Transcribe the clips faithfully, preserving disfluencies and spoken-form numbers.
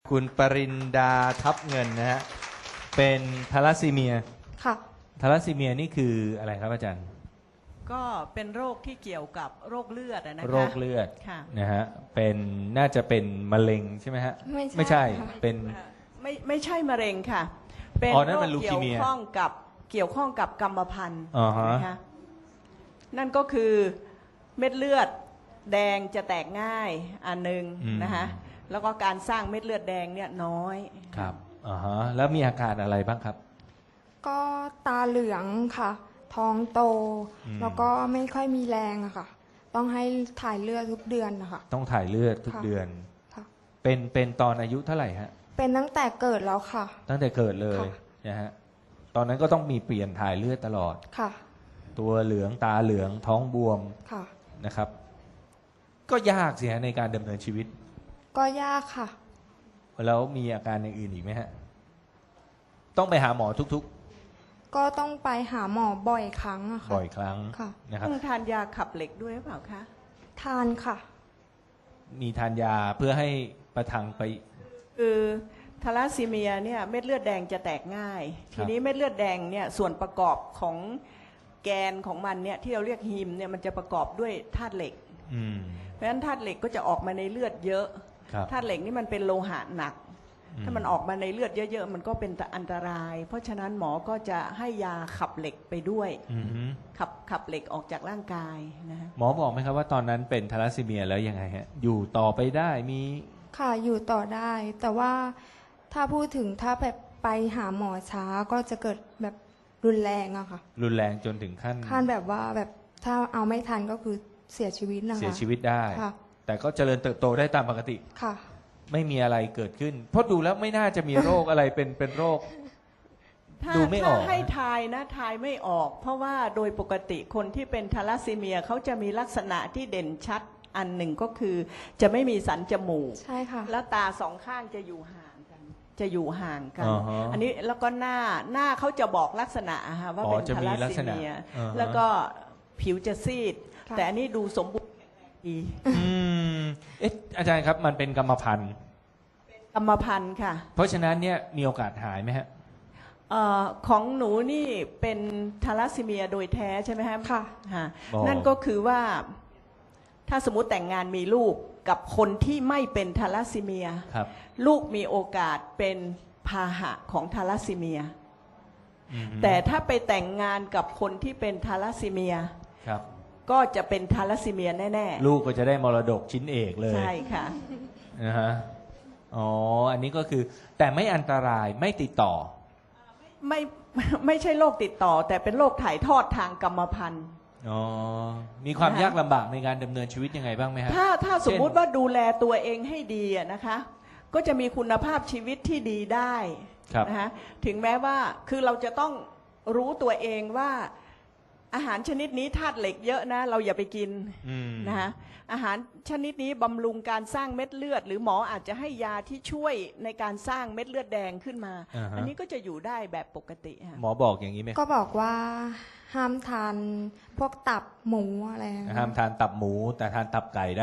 คุณปรินดาทับเงินนะฮะเป็นทาลัสซีเมียค่ะทาลัสซีเมียนี่คืออะไรครับอาจารย์ก็เป็นโรคที่เกี่ยวกับโรคเลือดอะนะคะโรคเลือดค่ะนะฮะเป็นน่าจะเป็นมะเร็งใช่ไหมฮะไม่ใช่ไม่ใช่ค่ะเป็นไม่ไม่ใช่มะเร็งค่ะ เป็นอ๋อนั่นโรมัคนลูคีเกี่ยวเมียข้องกับเกี่ยวข้องกับกรรมพันธุ์อ่าฮะนะคะนั่นก็คือเม็ดเลือดแดงจะแตกง่ายอันหนึ่งนะคะแล้วก็การสร้างเม็ดเลือดแดงเนี่ยน้อยครับอ่าฮะแล้วมีอาการอะไรบ้างครับก็ตาเหลืองค่ะ ท้องโตอืมแล้วก็ไม่ค่อยมีแรงอะค่ะ ต้องให้ถ่ายเลือดทุกเดือนนะคะต้องถ่ายเลือดทุกค่ะเดือนค่ะเป็นเป็นตอนอายุเท่าไหร่ฮะเป็นตั้งแต่เกิดแล้วค่ะตั้งแต่เกิดเลยค่ะนะฮะตอนนั้นก็ต้องมีเปลี่ยนถ่ายเลือดตลอดค่ะตัวเหลืองตาเหลืองท้องบวมค่ะนะครับ ก็ยากสิฮะในการดำเนินชีวิตก็ยากค่ะแล้วมีอาการอย่างอื่นอีกไหมฮะ ต้องไปหาหมอทุกก็ต้องไปหาหมอบ่อยครั้งอะๆค่ะบ่อยครั้งค่ะนะครับต้องทานยาขับเหล็กด้วยหรือเปล่าคะทานค่ะมีทานยาเพื่อให้ประทังไปคือทาลัสซีเมียเนี่ยเม็ดเลือดแดงจะแตกง่าย ทีนี้เม็ดเลือดแดงเนี่ยส่วนประกอบของแกนของมันเนี่ยที่เราเรียกฮีมเนี่ยมันจะประกอบด้วยธาตุเหล็กอืมเพราะฉะนั้นธาตุเหล็กก็จะออกมาในเลือดเยอะครับธาตุเหล็กนี่มันเป็นโลหะหนักอืถ้ามันออกมาในเลือดเยอะๆ มันก็เป็นอันตราย เพราะฉะนั้นหมอก็จะให้ยาขับเหล็กไปด้วยอือฮึขับขับเหล็กออกจากร่างกายนะฮะหมอบอกไหมครับว่าตอนนั้นเป็นทาลัสซีเมียแล้วยังไงฮะ อยู่ต่อไปได้มีค่ะ อยู่ต่อได้ แต่ว่าถ้าพูดถึงถ้าแบบไปหาหมอช้าก็จะเกิดแบบรุนแรงอะค่ะรุนแรงจนถึงขั้นขั้นแบบว่าแบบถ้าเอาไม่ทันก็คือเสียชีวิตนะคะเสียชีวิตได้ค่ะแต่ก็เจริญเติบโตได้ตามปกติค่ะไม่มีอะไรเกิดขึ้น เพราะดูแล้วไม่น่าจะมีโรคอะไรเป็นเป็นโรคถ้าดูไม่อถ้าอกให้ทายนะทายไม่ออก เพราะว่าโดยปกติคนที่เป็นทาลัสซีเมียเขาจะมีลักษณะที่เด่นชัดอันหนึ่งก็คือ จะไม่มีสันจมูกใช่ค่ะแล้วตาสองข้างจะอยู่ห่างกัน จะอยู่ห่างกันอ่าฮะอันนี้แล้วก็หน้าหน้าเขาจะบอกลักษณะอะฮะว่าอ๋อเป็นจะทามีลัสลักซีษณะเมียอ่าฮะแล้วก็ผิวจะซีดค่ะแต่อันนี้ดูสมบูรณ์ดีอืมเอ๊ะอาจารย์ครับมันเป็นกรรมพันธุ์กรรมพันธุ์ค่ะเพราะฉะนั้นเนี่ยมีโอกาสหายไหมฮะเอ่อของหนูนี่เป็นทาลัสซีเมียโดยแท้ใช่ไหมครับค่ะฮะอ๋อนั่นก็คือว่าถ้าสมมติแต่งงานมีลูกกับคนที่ไม่เป็นทาลัสซีเมียครับลูกมีโอกาสเป็นพาหะของทาลัสซีเมียอืมแต่ถ้าไปแต่งงานกับคนที่เป็นทาลัสซีเมียครับก็จะเป็นทาลัสซีเมียแน่ลูกก็จะได้มรดกชิ้นเอกเลๆยใช่ค่ะนะฮะอ๋ออันนี้ก็คือแต่ไม่อันตรายไม่ติดต่อไม่ไม่ใช่โรคติดต่อ แต่เป็นโรคถ่ายทอดทางกรรมพันธุ์อ๋อมีความนะฮะยากลำบากในการดำเนินชีวิตยังไงบ้างไหมฮะถ้าถ้าสมมุติเช่นว่าดูแลตัวเองให้ดีอะนะคะ ก็จะมีคุณภาพชีวิตที่ดีได้ครับนะคะถึงแม้ว่าคือเราจะต้องรู้ตัวเองว่าอาหารชนิดนี้ธาตุเหล็กเยอะนะ เราอย่าไปกินอืมนะคะอาหารชนิดนี้บำรุงการสร้างเม็ดเลือด หรือหมออาจจะให้ยาที่ช่วยในการสร้างเม็ดเลือดแดงขึ้นมาอ่าฮะอันนี้ก็จะอยู่ได้แบบปกติค่ะหมอบอกอย่างนี้ไหมก็บอกว่าห้ามทานพวกตับหมูอะไรนะห้ามทานตับหมู แต่ทานตับไก่ได้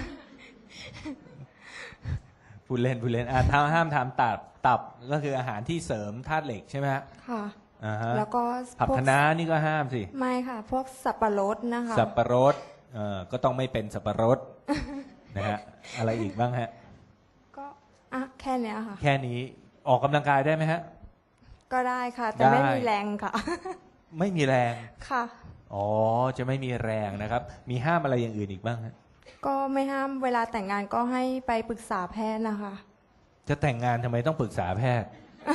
พูดเล่นพูดเล่นอ่าถ้าห้ามทานตับตับก็คืออาหารที่เสริมธาตุเหล็กใช่ไหมฮะค่ะอ่าฮะแล้วก็ผักพวกคะน้านี่ก็ห้ามสิไม่ค่ะ พวกสับปะรดนะคะสับปะรดเอ่อก็ต้องไม่เป็นสับปะรด นะฮะอะไรอีกบ้างฮะก็อ่ะแค่เนี้ยค่ะแค่นี้ออกกำลังกายได้ไหมฮะก็ได้ค่ะ แต่ได้ไม่มีแรงค่ะไม่มีแรงค่ะอ๋อจะไม่มีแรงนะครับ มีห้ามอะไรอย่างอื่นอีกบ้างฮะก็ไม่ห้ามเวลาแต่งงานก็ให้ไปปรึกษาแพทย์นะคะจะแต่งงานทำไมต้องปรึกษาแพทย์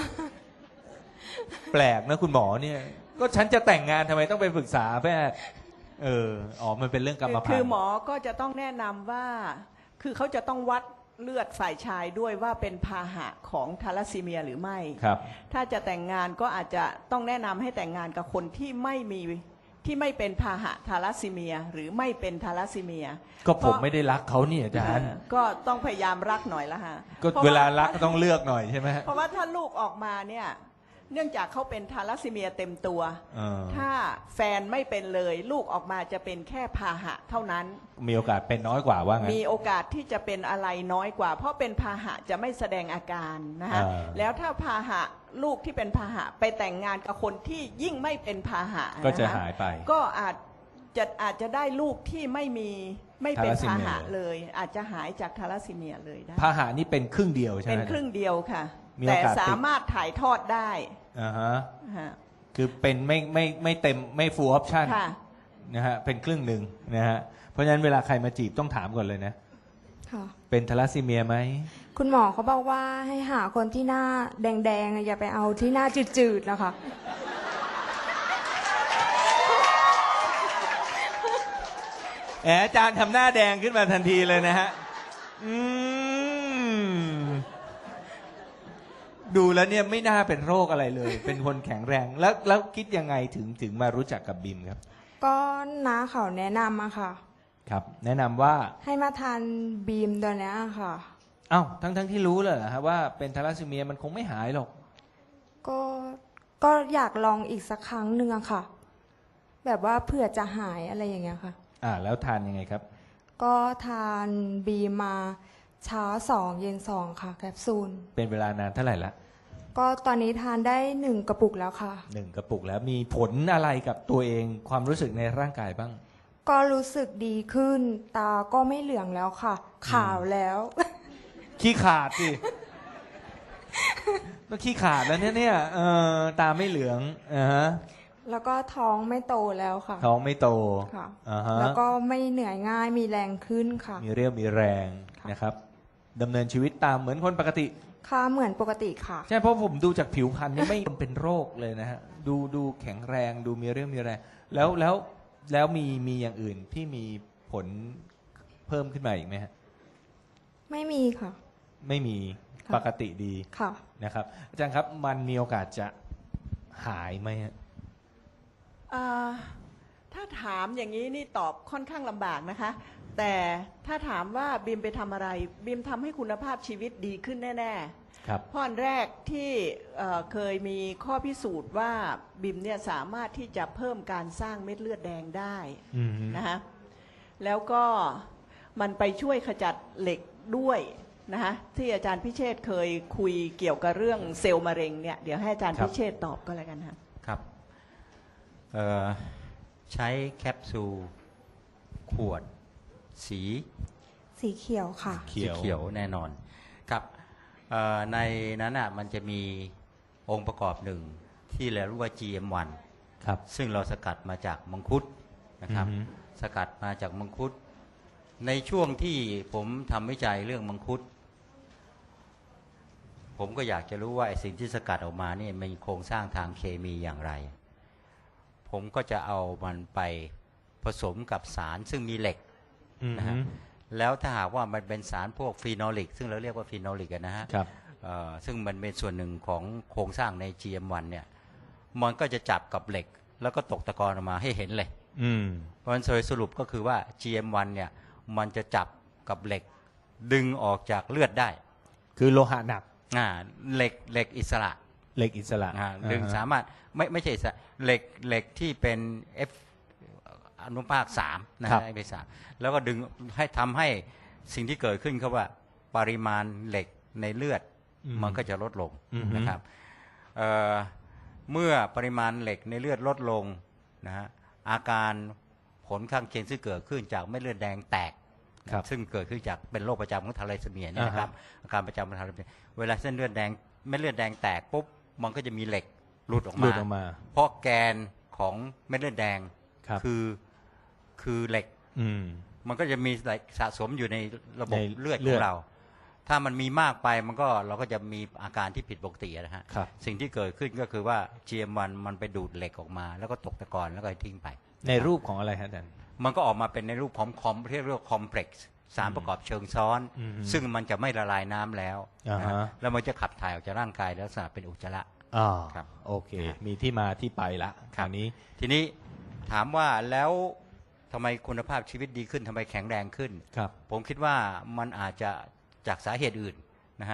แปลกนะคุณหมอเนี่ย ก็ฉันจะแต่งงานทำไมต้องไปปรึกษาแพทย์ เอออ๋อมันเป็นเรื่องกรรมพันธุ์คือหมอก็จะต้องแนะนำว่า คือเขาจะต้องวัดเลือดฝ่ายชายด้วยว่าเป็นพาหะของทาลัสซีเมียหรือไม่ครับถ้าจะแต่งงานก็อาจจะต้องแนะนำให้แต่งงานกับคนที่ไม่มีที่ไม่เป็นพาหะทาลัสซีเมีย หรือไม่เป็นทาลัสซีเมียก็ผมไม่ได้รักเขาเนี่ยอาจารย์เออก็ต้องพยายามรักหน่อยละฮะก็พระเวลารักก็ต้องเลือกหน่อยใช่ไหมฮะเพราะว่าถ้าลูกออกมาเนี่ยเนื่องจากเขาเป็นทาลัสซีเมียเต็มตัวเออถ้าแฟนไม่เป็นเลยลูกออกมาจะเป็นแค่พาหะเท่านั้นมีโอกาสเป็นน้อยกว่าว่างั้นมีโอกาสที่จะเป็นอะไรน้อยกว่า เพราะเป็นพาหะจะไม่แสดงอาการนะคะอ่าแล้วถ้าพาหะลูกที่เป็นพาหะไปแต่งงานกับคนที่ยิ่งไม่เป็นพาหะก็จะนคหายไปก็อาจจะอาจจะได้ลูกที่ไม่มีไม่เป็นทาลัสซีพาเมียหะเลย อาจจะหายจากทาลัสซีเมียเลยได้พาหะนี่เป็นครึ่งเดียวใช่ไหมเป็นครึ่งเดียวค่ะมีโอแต่กาสติดสามารถถ่ายทอดได้อ่าฮะฮะคือเป็นไม่ไม่ไม่เต็มไม่ full option ค่ะนะฮะเป็นครึ่งหนึ่งนะฮะเพราะฉะนั้นเวลาใครมาจีบต้องถามก่อนเลยนะค่ะเป็นทาลัสซีเมียไหมคุณหมอเขาบอกว่าให้หาคนที่หน้าแดงๆอะอย่าไปเอาที่หน้าจืดๆนะคะแหมอาจารย์ทำหน้าแดงขึ้นมาทันทีเลยนะฮะอืมดูแล้วเนี่ยไม่น่าเป็นโรคอะไรเลย เป็นคนแข็งแรง แล้วแล้วคิดยังไงถึงถึงมารู้จักกับบิมครับก็น้าเขาแนะนำอะค่ะครับ แนะนำว่าให้มาทานบีมตัวเนี้ยค่ะเอ้าทั้งทั้งที่รู้เลยเหรอฮะว่าเป็นทาลัสซีเมียมันคงไม่หายหรอกก็ก็อยากลองอีกสักครั้งหนึ่งอะค่ะ แบบว่าเผื่อจะหายอะไรอย่างเงี้ยค่ะอ่าแล้วทานยังไงครับก็ทานบีมมาเช้าสองเย็นสองค่ะแคปซูลเป็นเวลานานเท่าไหร่ละก็ตอนนี้ทานได้หนึ่งกระปุกแล้วค่ะหนึ่งกระปุกแล้วมีผลอะไรกับตัวเองความรู้สึกในร่างกายบ้างก็รู้สึกดีขึ้น ตาก็ไม่เหลืองแล้วค่ะ ขาวแล้วขี้ขาดสิก็ขี้ขาดแล้วเนี่ยเนี่ยเออตาไม่เหลืองอ่าฮะแล้วก็ท้องไม่โตแล้วค่ะท้องไม่โตค่ะอ่าฮะแล้วก็ไม่เหนื่อยง่ายมีแรงขึ้นค่ะมีเรี่ยวมีแรงค่ะนะครับดำเนินชีวิตตามเหมือนคนปกติค่ะเหมือนปกติค่ะใช่เพราะผมดูจากผิวพรรณนี่ไม่เป็นโรคเลยนะฮะดูดูแข็งแรงดูมีเรี่ยวมีแรง แล้วแล้วแล้วมีมีอย่างอื่นที่มีผลเพิ่มขึ้นมาอีกไหมฮะไม่มีค่ะไม่มีค่ะปกติดีค่ะนะครับอาจารย์ครับมันมีโอกาสจะหายไหมฮะอ่าถ้าถามอย่างนี้นี่ตอบค่อนข้างลำบากนะคะ แต่ถ้าถามว่าบิมไปทำอะไรบิมทำให้คุณภาพชีวิตดีขึ้นแน่ๆครับเพราะอันแรกที่เอ่อเคยมีข้อพิสูจน์ว่าบิมเนี่ยสามารถที่จะเพิ่มการสร้างเม็ดเลือดแดงได้อืมนะคะแล้วก็มันไปช่วยขจัดเหล็กด้วยนะคะที่อาจารย์พิเชษฐ์เคยคุยเกี่ยวกับเรื่องเซลล์มะเร็งเนี่ยเดี๋ยวให้อาจารย์พิเชษฐ์ตอบก็แล้วกันค่ะครับเอ่อใช้แคปซูลขวดสีสีเขียวค่ะเขีสียวเขียวแน่นอนครับเอ่อในนั้นอ่ะมันจะมีองค์ประกอบหนึ่งที่เราเรียกว่า จี เอ็ม วันครับซึ่งเราสกัดมาจากมังคุดนะครับอือฮึสกัดมาจากมังคุด ในช่วงที่ผมทำวิจัยเรื่องมังคุด ผมก็อยากจะรู้ว่าไอ้สิ่งที่สกัดออกมาเนี่ยมีโครงสร้างทางเคมีอย่างไร ผมก็จะเอามันไปผสมกับสารซึ่งมีเหล็กอืมนะฮะ แล้วถ้าหากว่ามันเป็นสารพวกฟีนอลิกซึ่งเราเรียกว่าฟีนอลิกนะฮะครับเอ่อซึ่งมันเป็นส่วนหนึ่งของโครงสร้างใน จี เอ็ม วัน เนี่ยมันก็จะจับกับเหล็ก แล้วก็ตกตะกอนออกมาให้เห็นเลยอืมเพราะฉะนั้นโดยสรุปก็คือว่า จี เอ็ม วัน เนี่ยมันจะจับกับเหล็กดึงออกจากเลือดได้คือโลหะหนักอ่าเหล็กเหล็กอิสระเหล็กอิสระอ่าดึงอ่ฮะสามารถไม่ไม่ใช่อิสระเหล็กเหล็กที่เป็น F อนุภาคสามนะครัฮะบไอเบสามแล้วก็ดึงให้ทำให้สิ่งที่เกิดขึ้นเขาว่าปริมาณเหล็กในเลือดอืมมันก็จะลดลงอือฮึนะครับเอ่อเมื่อปริมาณเหล็กในเลือดลดลงนะฮะอาการผลข้างเคียงซึ่งเกิดขึ้นจากเม็ดเลือดแดงแตกครับซึ่งเกิดขึ้นจากเป็นโรคประจำของทาลัสซีเมียเนี่ยนะครับอ่าฮะอาการประจำของทาลัสซีเมียเวลาเส้นเลือดแดงเม็ดเลือดแดงแตกปุ๊บมันก็จะมีเหล็กหลุดออกหลุมาดออกมาเพราะแกนของเม็ดเลือดแดงครับคือคือเหล็กอืมมันก็จะมีเหล็กสะสมอยู่ในระบบในเลือดเลืขออดงเรา ถ้ามันมีมากไปมันก็เราก็จะมีอาการที่ผิดปกตินะฮะครับสิ่งที่เกิดขึ้นก็คือว่า จี เอ็ม วัน มันไปดูดเหล็กออกมา แล้วก็ตกตะกอนแล้วก็ทิ้งไปในรูปของอะไรฮะอาจารย์มันก็ออกมาเป็นในรูปของคอมที่เรียกว่าคอมเพล็กซ์สารประกอบเชิงซ้อนอืมซึ่งมันจะไม่ละลายน้ำแล้วอ่าฮะนะฮะแล้วมันจะขับถ่ายออกจากร่างกายลักษณะเป็นอุจจาระอ่าครับโอเค มีที่มาที่ไปละคราวนี้ทีนี้ถามว่าแล้วทำไมคุณภาพชีวิตดีขึ้นทำไมแข็งแรงขึ้นครับผมคิดว่ามันอาจจะจากสาเหตุอื่นนะฮะ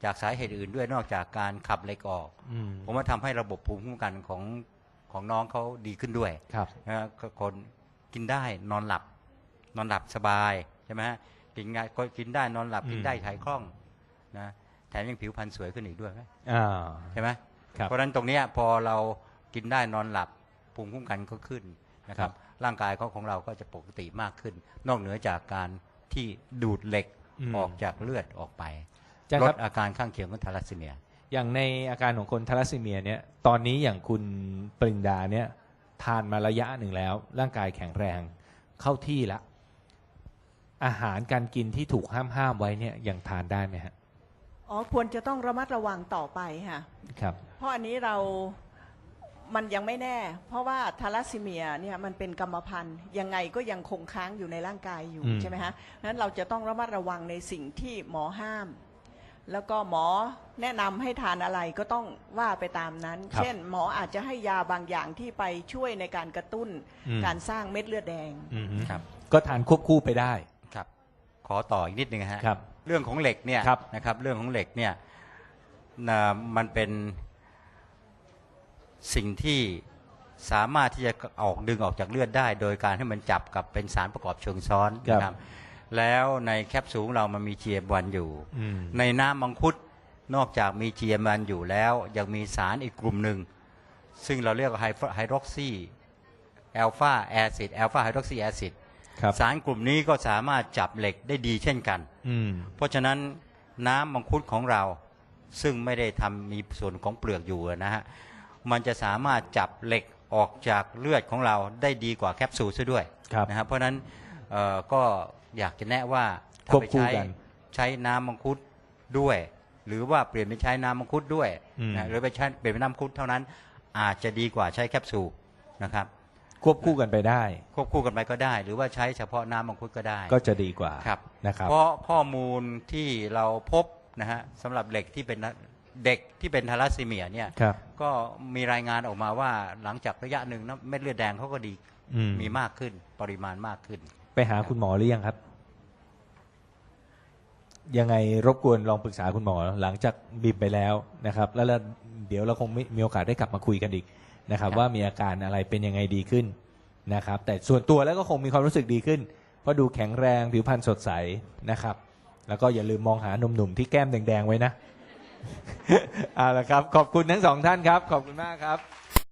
จากสาเหตุอื่นด้วยนอกจากการขับเหล็กออกอืมผมว่าทำให้ระบบภูมิคุ้มกันของของน้องเขาดีขึ้นด้วยครับนะฮะก็คนกินได้นอนหลับ นอนหลับสบายใช่ไหมฮะกินง่ายก็กินได้นอนหลับอืมกินได้ถ่ายคล่องนะแถมยังผิวพรรณสวยขึ้นอีกด้วยไหมอ่าใช่ไหมครับเพราะฉะนั้นตรงเนี้ยพอเรากินได้นอนหลับภูมิคุ้มกันก็ขึ้นนะครับ ร่างกายเขาของเราก็จะปกติมากขึ้น นอกเหนือจากการที่ดูดเหล็กอืมออกจากเลือดออกไปอาจารย์ลครัดบอาการข้างเคียงของทาลัสซีเมียอย่างในอาการของคนทาลัสซีเมียเนี่ยตอนนี้อย่างคุณปรินดาเนี่ยทานมาระยะหนึ่งแล้ว ร่างกายแข็งแรงเข้าที่ละอาหารการกินที่ถูกห้ามห้ามไว้เนี่ยยังทานได้ไหมฮะอ๋อควรจะต้องระมัดระวังต่อไปค่ะครับเพราะอันนี้เรามันยังไม่แน่ เพราะว่าทาลัสซีเมียเนี่ยมันเป็นกรรมพันธุ์ยังไงก็ยังคงค้างอยู่ในร่างกายอยู่อืมใช่ไหมฮะนั้นเราจะต้องระมัดระวังในสิ่งที่หมอห้าม แล้วก็หมอแนะนำให้ทานอะไรก็ต้องว่าไปตามนั้นครับเช่น หมออาจจะให้ยาบางอย่างที่ไปช่วยในการกระตุ้นอืมการสร้างเม็ดเลือดแดงอืมครับก็ทานควบคู่ไปได้ครับ ขอต่ออีกนิดนึงฮะครับเรื่องของเหล็กเนี่ยครับนะครับเรื่องของเหล็กเนี่ยนะมันเป็นสิ่งที่สามารถที่จะออกดึงออกจากเลือดได้ โดยการให้มันจับกับเป็นสารประกอบเชิงซ้อนครับนะครับแล้วในแคปซูลของเรามันมี จี เอ็ม วัน อยู่อืมในน้ำมังคุดนอกจากมี จี เอ็ม วัน อยู่แล้วยังมีสารอีกกลุ่มหนึ่ง ซึ่งเราเรียกว่าไฮดรอกซีแอลฟาแอซิดแอลฟาไฮดรอกซีแอซิดครับสารกลุ่มนี้ก็สามารถจับเหล็กได้ดีเช่นกันอืมเพราะฉะนั้นน้ำมังคุดของเราซึ่งไม่ได้ทำมีส่วนของเปลือกอยู่นะฮะมันจะสามารถจับเหล็กออกจากเลือดของเราได้ดีกว่าแคปซูลซะด้วยครับนะครับเพราะฉะนั้นเอ่อก็อยากจะแนะว่าถ้าควบไปคู่ใช้กันใช้น้ำมังคุดด้วย หรือว่าเปลี่ยนไปใช้น้ำมังคุดด้วยอืมนะหรือไปใช้เปลี่ยนเป็นน้ำมังคุดเท่านั้นอาจจะดีกว่าใช้แคปซูลนะครับควบคู่กันไปได้ควบคู่กันไปก็ได้ หรือว่าใช้เฉพาะน้ำมังคุดก็ได้ก็จะดีกว่าครับนะครับเพราะข้อมูลที่เราพบนะฮะสำหรับเด็กที่เป็นเด็กที่เป็นทาลัสซีเมียเนี่ยครับก็มีรายงานออกมาว่าหลังจากระยะหนึ่งนะเม็ดเลือดแดงเขาก็ดีอืมมีมากขึ้นปริมาณมากขึ้นไปหาคุณหมอหรือยังครับ ยังไงรบกวนลองปรึกษาคุณหมอหลังจากบิมไปแล้วนะครับ แล้วเราเดี๋ยวเราคงไม่มีโอกาสได้กลับมาคุยกันอีกนะครับครับว่ามีอาการอะไรเป็นยังไงดีขึ้นนะครับ แต่ส่วนตัวแล้วก็คงมีความรู้สึกดีขึ้น เพราะดูแข็งแรงผิวพรรณสดใสนะครับ แล้วก็อย่าลืมมองหาหนุ่มๆที่แก้มแดงๆไว้นะ เอาละครับ ขอบคุณทั้งสองท่านครับ ขอบคุณมากครับ